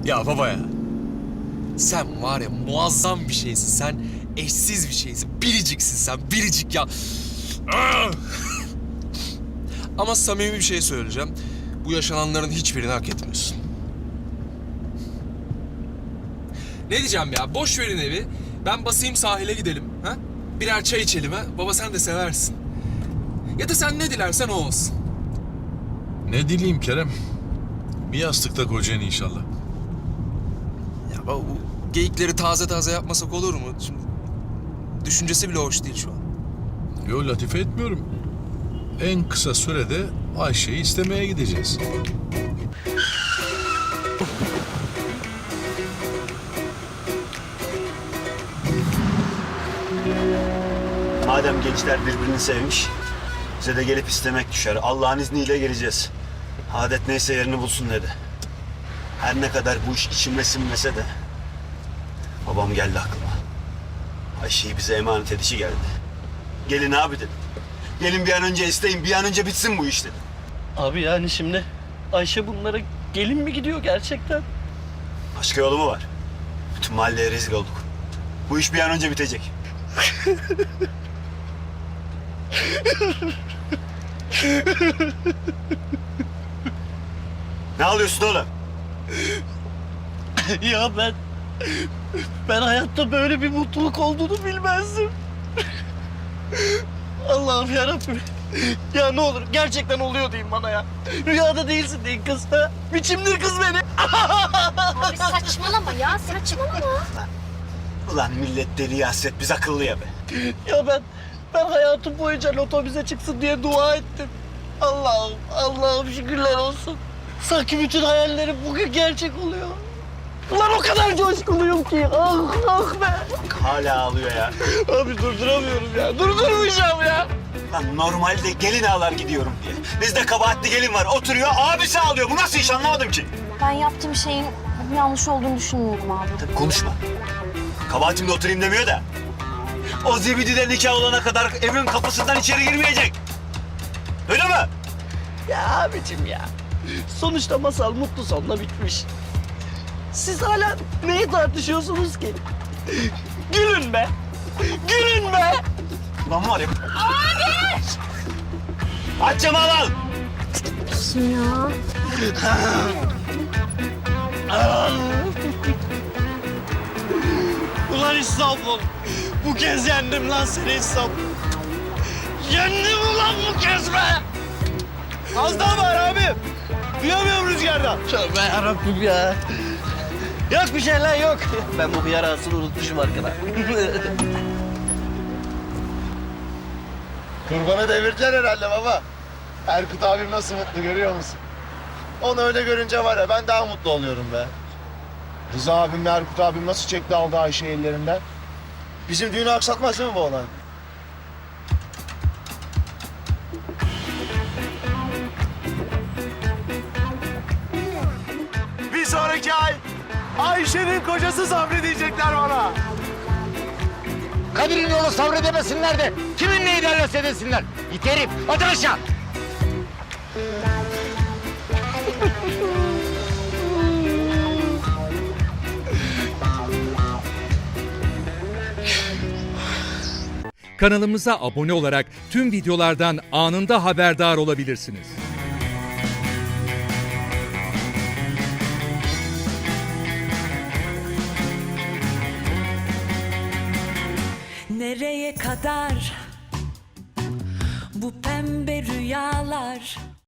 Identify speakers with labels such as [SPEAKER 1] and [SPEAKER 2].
[SPEAKER 1] Ya baba ya. Sen var ya muazzam bir şeysin. Sen eşsiz bir şeysin. Biriciksin sen. Biricik ya. Ah! Ama samimi bir şey söyleyeceğim. Bu yaşananların hiçbirini hak etmiyorsun. Ne diyeceğim ya? Boş verin evi. Ben basayım sahile gidelim. Ha? Birer çay içelim ha. Baba sen de seversin. Ya da sen ne dilersen o olsun.
[SPEAKER 2] Ne dileyim Kerem? Bir yastıkta kocayan inşallah.
[SPEAKER 1] Ya baba bu geyikleri taze taze yapmasak olur mu? Şimdi düşüncesi bile hoş değil şu an.
[SPEAKER 2] Yo, latife etmiyorum. En kısa sürede Ayşe'yi istemeye gideceğiz.
[SPEAKER 3] Madem gençler birbirini sevmiş, bize de gelip istemek düşer. Allah'ın izniyle geleceğiz. Adet neyse yerini bulsun dedi. Her ne kadar bu iş içime sinmese de babam geldi aklıma. Ayşe'yi bize emanet edişi geldi. Gelin abi dedim. Gelin bir an önce isteyin, bir an önce bitsin bu iş dedim.
[SPEAKER 4] Abi yani şimdi Ayşe bunlara gelin mi gidiyor gerçekten?
[SPEAKER 3] Başka yolu mu var? Bütün mahalleye rezil olduk. Bu iş bir an önce bitecek. Ne alıyorsun oğlum?
[SPEAKER 4] Ya ben hayatta böyle bir mutluluk olduğunu bilmezdim. Allah'ım yarabbim. Ya ne olur gerçekten oluyor deyin bana ya. Rüyada değilsin deyin kız. Ha? Biçimdir kız beni.
[SPEAKER 5] Abi saçmalama ya, saçmalama.
[SPEAKER 3] Ulan millet deli hasret, biz akıllıya be.
[SPEAKER 4] Ya ben hayatım boyunca loto bize çıksın diye dua ettim. Allah'ım şükürler olsun. Sanki bütün hayallerim bugün gerçek oluyor. Ulan o kadar coşkuluyum ki. Ah be.
[SPEAKER 3] Hala ağlıyor ya.
[SPEAKER 4] Abi durduramıyorum ya. Durdurmayacağım ya.
[SPEAKER 3] Lan normalde gelin ağlar gidiyorum diye. Bizde kabahatli gelin var, oturuyor, abisi ağlıyor. Bu nasıl iş anlamadım ki.
[SPEAKER 5] Ben yaptığım şeyin yanlış olduğunu düşünmüyorum abi.
[SPEAKER 3] Tabii konuşma. Kabahatimle oturayım demiyor da. O zibididen nikah olana kadar evin kapısından içeri girmeyecek. Öyle mi?
[SPEAKER 4] Ya abicim ya. Sonuçta masal mutlu sonla bitmiş. Siz hala neyi tartışıyorsunuz ki? Gülün be. Gülün be.
[SPEAKER 3] Ulan var ya. Abi! Aç camı al.
[SPEAKER 5] Ya.
[SPEAKER 4] Ulan İstanbul. Bu kez yendim lan seni İstanbul. Yendim ulan bu kez be.
[SPEAKER 3] Az daha var abi. Duyamıyorum rüzgardan.
[SPEAKER 4] Tövbe yarabbim ya. Yok bir şey lan yok. Ben bu hıyar ağasını unutmuşum arkada.
[SPEAKER 6] Kurbanı devirdiler herhalde baba. Erkut abim nasıl mutlu görüyor musun? Onu öyle görünce var ya ben daha mutlu oluyorum be. Rıza abimle Erkut abim nasıl çekti aldı Ayşe ellerinden? Bizim düğünü aksatmaz değil mi bu olay?
[SPEAKER 3] Bir sonraki ay Ayşe'nin kocası Sabri diyecekler bana.
[SPEAKER 7] Kadir'in yolu sabredemesinler de kimin neyi derlerse desinler. Yeterim. Atın aşağı.
[SPEAKER 8] Kanalımıza abone olarak tüm videolardan anında haberdar olabilirsiniz.
[SPEAKER 9] Nereye kadar bu pembe rüyalar?